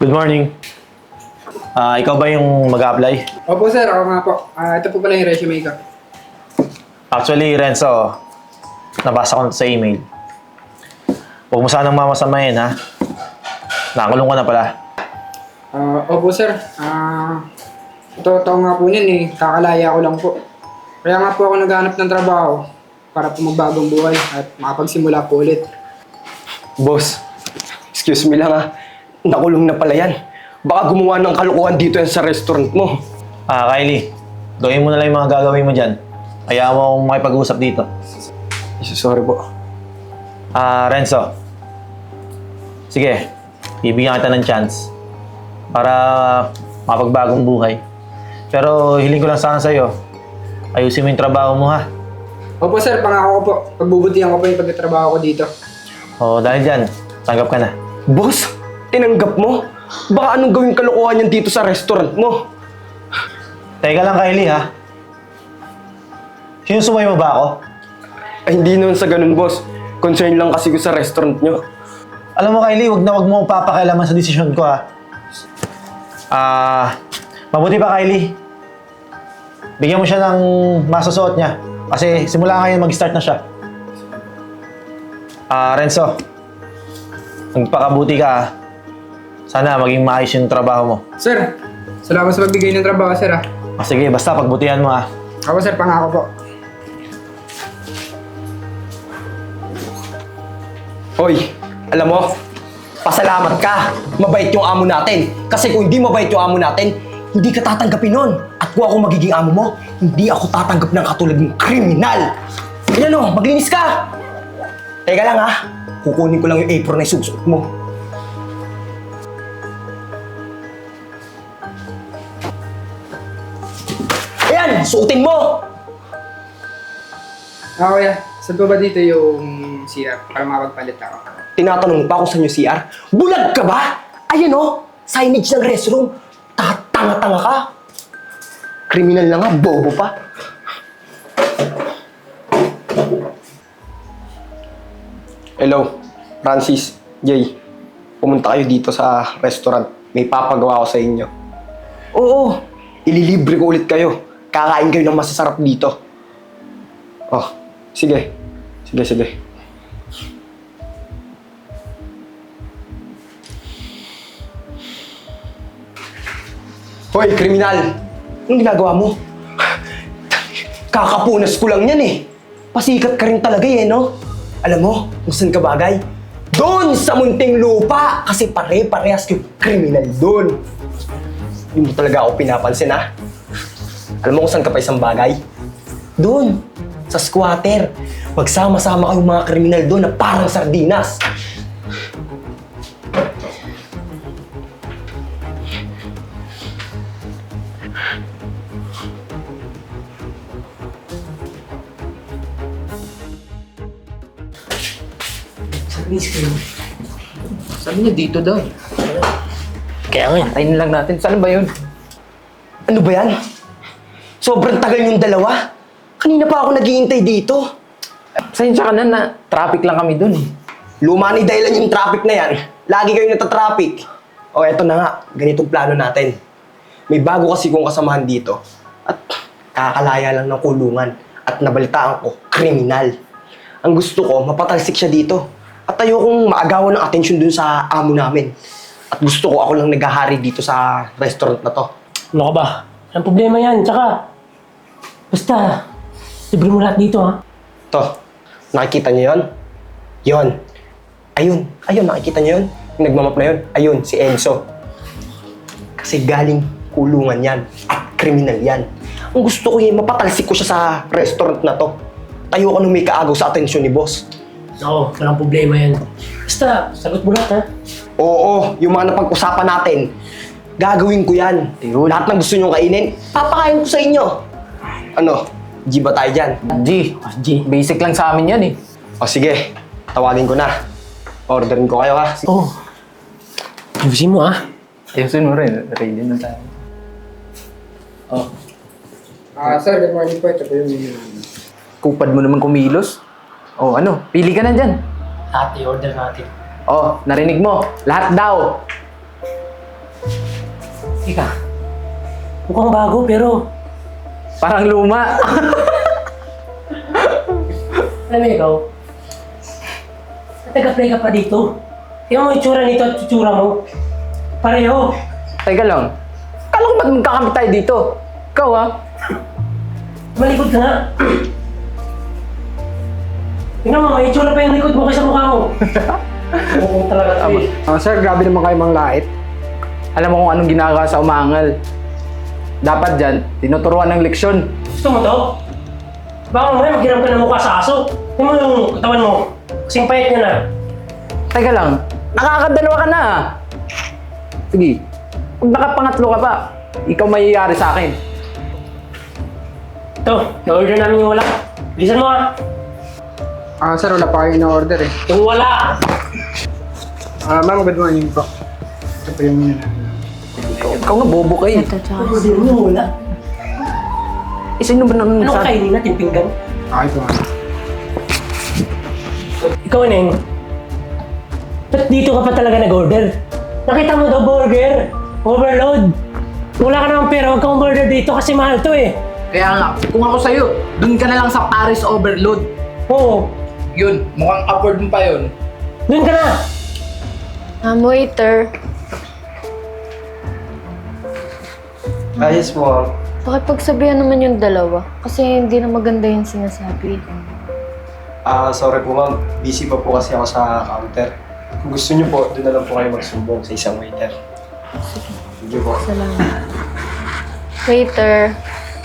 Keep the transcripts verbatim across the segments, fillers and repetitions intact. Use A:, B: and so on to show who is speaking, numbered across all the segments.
A: Good morning. Ah, ikaw ba yung mag-apply?
B: Opo sir, ako nga po. Ah, ito po pala yung resume ko.
A: Actually, Renzo, nabasa ko na sa email. Huwag mo sanang mamasamayin, ha? Nakakulong ka na pala.
B: Ah, opo sir. Ah, totoo nga po yun eh. Kakalaya ko lang po. Kaya nga po ako naghanap ng trabaho para po magbagong buhay at makapagsimula po ulit.
C: Boss, excuse me lang ah. Nakulong na pala yan. Baka gumawa ng kalokohan dito yan sa restaurant mo.
A: Ah, Kylie, gawin mo na lang yung mga gagawin mo dyan. Hayaan mo akong makipag-usap dito.
C: Sorry po.
A: Ah, Renzo. Sige, bibigyan kita ng chance para mapagbagong buhay. Pero hiling ko lang sana sa'yo, ayusin mo yung trabaho mo, ha?
B: Opo sir, pangako ko po. Pagbubutihan ko po yung pagtatrabaho ko dito.
A: O, dahil dyan, tanggap ka na.
C: Boss, tinanggap mo? Baka anong gawing kalokohan yan dito sa restaurant mo?
A: Teka lang, Kylie, ha? Sinusumay mo ba ako?
C: Ay, hindi naman sa ganun, boss. Concern lang kasi ko sa restaurant nyo.
A: Alam mo, Kylie, wag na wag mo akong papakialaman sa desisyon ko, ha? Ah, mabuti pa, Kylie. Bigyan mo siya ng masusuot niya. Kasi simula ngayon mag-start na siya. Ah, Renzo. Magpakabuti ka, ha? Sana maging maayos yung trabaho mo.
B: Sir, salamat sa pagbigay ng trabaho sir ah.
A: Ah, sige, basta pagbutihan mo, ha?
B: Ako sir, pangako po.
C: Hoy, alam mo, pasalamat ka. Mabait yung amo natin. Kasi kung hindi mabait yung amo natin, hindi ka tatanggapin nun. At kung ako magiging amo mo, hindi ako tatanggap ng katulad ng kriminal. Ayan o, maglinis ka. Teka lang ha, kukunin ko lang yung apron na isusuot mo. Ayan, suotin mo.
B: Ah, kuya, saan po ba dito yung C R para makapagpalit ako?
C: Tinatanong pa kung saan yung C R. Bulag ka ba? Ayan o, signage ng restroom. Tatanga-tanga ka. Kriminal na nga, bobo pa. Hello, Francis, Jay. Pumunta kayo dito sa restaurant. May papagawa ko sa inyo. Oo, ililibre ko ulit kayo. Kakain kayo ng masasarap dito. Oh, sige. Sige, sige. Hoy, kriminal! Anong ginagawa mo? Kakapunas ko lang yan eh. Pasikat ka rin talaga eh, no? Alam mo kung saan ka bagay? Doon sa munting lupa! Kasi pare-parehas yung kriminal doon. Hindi mo talaga ako pinapansin, ha? Alam mo kung saan ka pa isang bagay? Doon, sa squatter. Magsama-sama kayong mga kriminal doon na parang sardinas.
D: Sabi niya dito daw.
A: Kaya nga,
D: Tayin lang natin. Saan ba yun?
C: Ano ba yan? Sobrang tagal yung dalawa. Kanina pa ako naghihintay dito.
D: Pasensya ka na na traffic lang kami dun eh.
C: Luma ni dahilan yung traffic na yan. Lagi kayong natatraffic. O eto na nga, ganitong plano natin. May bago kasi kong kasamahan dito. At kakalaya lang ng kulungan. At nabalitaan ko, kriminal. Ang gusto ko, mapatalsik siya dito. At ayokong maagawan ng atensyon dun sa amo namin. At gusto ko ako lang naghahari dito sa restaurant na to.
E: Ano ka ba? Ang problema yan. Tsaka, basta, libre mo lahat dito ha.
C: To, nakikita niyo yon? Yon. Ayun, ayun, nakikita niyo yon? Yung nagmamap na yon? Ayun, si Enzo. Kasi galing kulungan yan at kriminal yan. Ang gusto ko yung mapatalsik ko siya sa restaurant na to. Tayo ko nung may kaagaw sa atensyon ni boss.
E: Oo, walang problema yan. Basta, sagot mo lahat ha.
C: Oo, yung mga napag-usapan natin, gagawin ko yan. Lahat ng gusto nyo kainin, papakain ko sa inyo. Ano, G ba tayo dyan?
D: G.
E: Ah, G.
D: Basic lang sa amin yan eh.
C: O sige, tawagin ko na. Orderin ko kayo ha.
E: Oo. Oh. Ayusin mo ha.
D: Ayusin mo rin. Ready na tayo.
E: Oh.
B: Ah, sir, good morning po. Ito po yung menu namin.
D: Kupad mo naman kumilos. O ano, pili ka na dyan.
E: Lahat i-order natin.
D: Oh, narinig mo. Lahat daw.
E: Ika, mukhang bago pero
D: Parang luma.
E: alam mo ikaw, nataga-play ka pa dito. Tingnan mo yung itsura nito at itsura mo. Pareho.
D: Teka lang. Kala ko ba't magkakamit tayo dito? Ikaw ah.
E: Malikod ka nga. Tingnan mo, may itsura pa yung likod mo kaysa mukha mo. Oo talaga ito eh.
B: Ah, sir, grabe naman kayo mang lait.
D: Alam mo kung anong ginagawa sa umangal. Dapat dyan, tinuturuan ng leksyon.
E: Gusto mo to? Baka mamaya maghiram ka ng mukha sa aso. Tingnan mo yung katawan mo. Kasing payat niya na.
D: Teka lang, nakakadalawa ka na ah. Sige, pag nakapangatlo ka pa, ikaw mayayari sa akin.
E: Ito, na-order namin yung wala. Bilisan mo ah.
B: Ah, sir, wala pa kayo in-order eh.
E: Yung wala.
B: Ah, ma'am, good morning po. Ito po yung menu namin.
D: Ikaw nga bobo ka eh.
E: Order mo yung wala.
D: Eh, sino ba naman
E: Anong
D: sa...
E: kainin natin pinggan?
B: Okay po, ma'am.
E: Ikaw, Neng. Ba't dito ka pa talaga nag-order? Nakita mo daw burger. Overload. Wala ka namang pera, huwag kang order dito kasi mahal to eh.
D: Kaya nga, kung ako sa'yo, dun ka na lang sa Paris Overload.
E: Oo,
D: Yun, mukhang upward mo pa yun.
E: doon ka na.
F: Um, waiter,
C: Ayos po.
F: pakipagsabihan naman yung dalawa. Kasi hindi na maganda yung sinasabi.
C: Ah, sorry po ma'am. Busy pa po kasi ako sa counter. Kung gusto niyo po, doon na lang po kayo magsumbong sa isang waiter. Sige po.
F: Salamat. Waiter,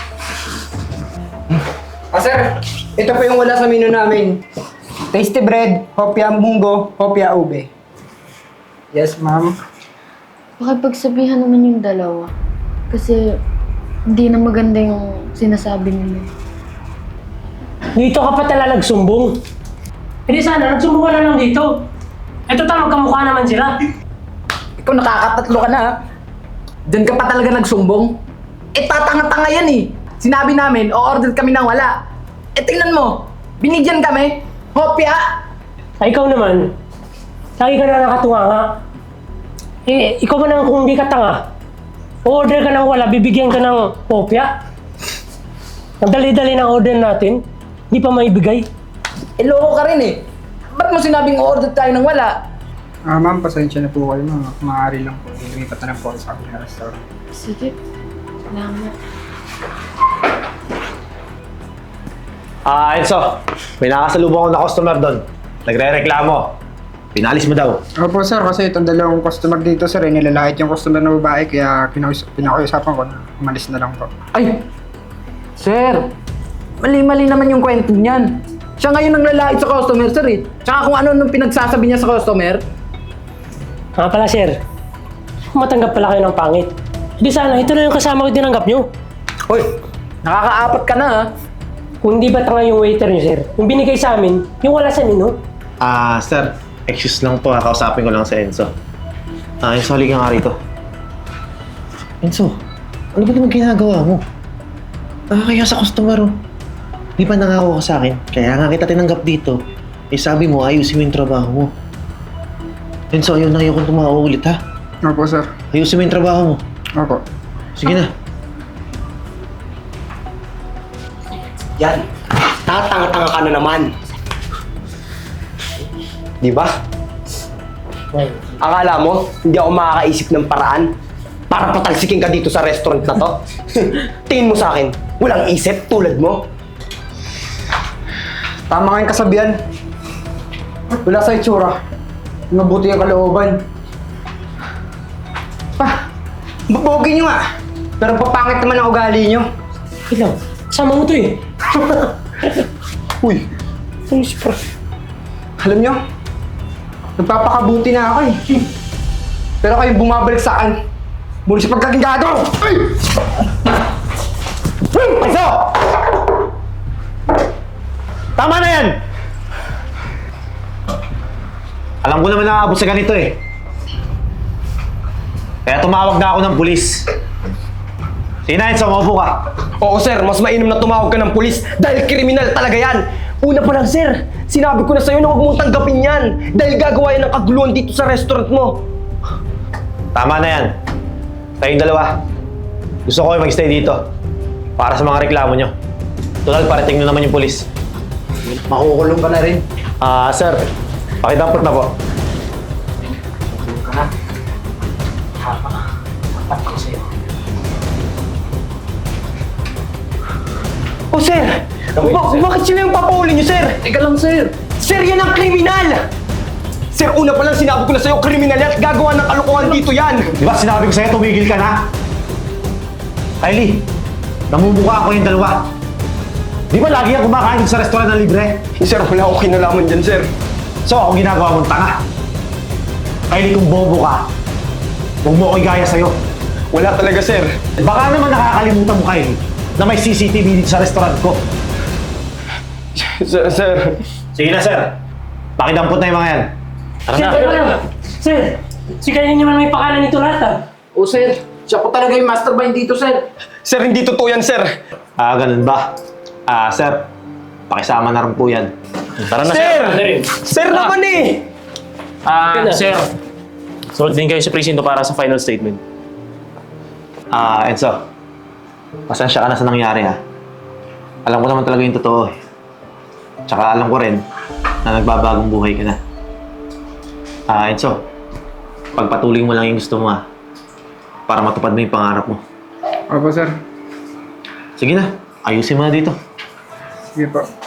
B: Ah, sir, ito po yung wala sa menu namin. Tasty bread, hopya munggo, hopya ube. Yes, ma'am.
F: pakipagsabihan naman yung dalawa. Kasi hindi na maganda yung sinasabi nila.
E: Dito ka pa talaga nagsumbong. Hindi sana, nagsumbong ka na lang dito. Ito ta, magkamukha naman sila.
D: Ikaw nakakatatlo ka na ha. Diyan ka pa talaga nagsumbong. Eh tatanga-tanga yan eh. Sinabi namin, o-order kami ng wala. Eh tingnan mo, binigyan kami. Hopya!
E: Ay, ikaw naman. Lagi ka na nakatunga nga. Eh, ikaw man naman kung hindi ka tanga. Order ka ng wala, bibigyan ka ng kopya. Ang dali-dali ng order natin, hindi pa maibigay.
D: Eh loko ka rin eh. Ba't mo sinabing o-order tayo ng wala?
B: Ah, ma'am, pasensya na po kayo, ma'am. Maaari lang po. Lumipat na lang po ako sa aking restaurant.
F: Sige. Salamat.
A: Ah, Enzo. May nakasalubong ako na customer doon. Nagre-reklamo. Pinalis mo daw.
B: Opo, sir, kasi itong dalawang customer dito, sir, eh, nilalait yung customer na babae, kaya pinakus- pinakiusapan ko na umalis na lang po.
D: Ay! Sir! Mali-mali naman yung kwento niyan. Siya ngayon ang lalait sa customer, sir eh. Tsaka kung ano nung pinagsasabi niya sa customer.
E: Nga pala, sir. Kung matanggap pala kayo ng pangit. Hindi sana, ito na yung kasama ko tinanggap nyo.
D: Hoy! Nakakaapat ka na ha.
E: Kung hindi ba tanga yung waiter nyo, sir? Yung binigay sa amin, yung wala sa menu.
A: Ah, sir. Excuse lang po. Kausapin ko lang si Enzo. Ah, Enzo, halika nga rito. Enzo, ano ba naman ginagawa mo? Nakakaya sa customer, oh. Di ba nangako ka sa akin? Kaya nga kita tinanggap dito. Eh, sabi mo, ayusin mo yung trabaho mo. Enzo, ayaw na ayaw kong tumawa ulit, ha?
B: Opo, sir.
A: Ayusin mo yung trabaho mo.
B: Opo.
A: Sige na.
C: Yan. Tatanga-tanga ka na naman. Di ba? Akala mo, hindi ako makakaisip ng paraan para patalsikin ka dito sa restaurant na to? Tingin mo sa akin, walang isip tulad mo?
B: Tama nga yung kasabihan. Wala sa itsura. Mabuti ang kalooban. Pa, babogi nyo nga. Pero papangit naman ang ugali nyo.
E: Wait lang, kasama mo to eh.
B: Uy,
E: Ano si Prof?
B: alam nyo, nagpapakabuti na ako eh. Pero kayo bumabalik sa akin. Muli sa pagkagingado! Ay!
A: Enzo! Tama na yan! Alam ko naman nakakabot sa ganito eh. Kaya tumawag na ako ng pulis. Sige na, Enzo, maupo ka.
C: Oo sir, mas mainam na tumawag ka ng pulis dahil kriminal talaga yan. Una pa lang sir, sinabi ko na sa'yo na huwag mong tanggapin yan dahil gagawa yan ng kaguluhan dito sa restaurant mo.
A: Tama na yan. Kayong dalawa, gusto ko kayo mag-stay dito para sa mga reklamo nyo. Tulad, parating na naman yung polis.
D: Makukulong ka na rin.
A: Ah, sir, pakidampot na po.
D: Makukulong ka na. Tama. Tapat ko sa'yo.
C: Oh, sir! Ba- bakit sila yung papauli niyo, sir?
D: Teka lang, sir.
C: Sir, yan ang kriminal! Sir, una pa lang sinabi ko na sa'yo, kriminal yan at gagawa ng kalokohan dito yan!
A: Di ba sinabi ko sa'yo, tumigil ka na? Kylie, namumuka ako yung dalawa. Di ba lagi yan kumakain sa restaurant na libre?
C: Eh, sir, wala akong kinalaman dyan, sir.
A: So, ako ginagawa mong tanga. Kylie, kung bobo ka, huwag mo ako igaya sa'yo.
C: Wala talaga, sir.
A: Baka naman nakakalimutan mo, Kylie, na may C C T V dito sa restaurant ko.
C: Sir, sir.
A: Sige na, sir. Pakidampot na yung mga yan. Tara
E: Sir,
A: na.
E: teka lang. Sir, si Kylie naman may pakalan nito lahat ah.
D: O, sir. Siya po talaga yung mastermind dito, sir.
C: Sir, hindi totoo yan, sir.
A: Ah, ganun ba? Ah, sir, pakisama na rin po yan. Tara na,
C: Sir!
E: Sir!
C: Sir naman eh!
G: Ah,
E: Kailan?
G: sir. Sulit din kayo sa presinto para sa final statement.
A: Ah, Enzo. Pasensya ka na sa nangyari, ha? Alam ko naman talaga yung totoo, eh. Tsaka alam ko rin na nagbabagong buhay ka na. Ah, Enzo. Pagpatuloy mo lang yung gusto mo, ha? Para matupad mo yung pangarap mo.
B: Opo, sir.
A: Sige na, ayusin mo na dito.
B: Sige po.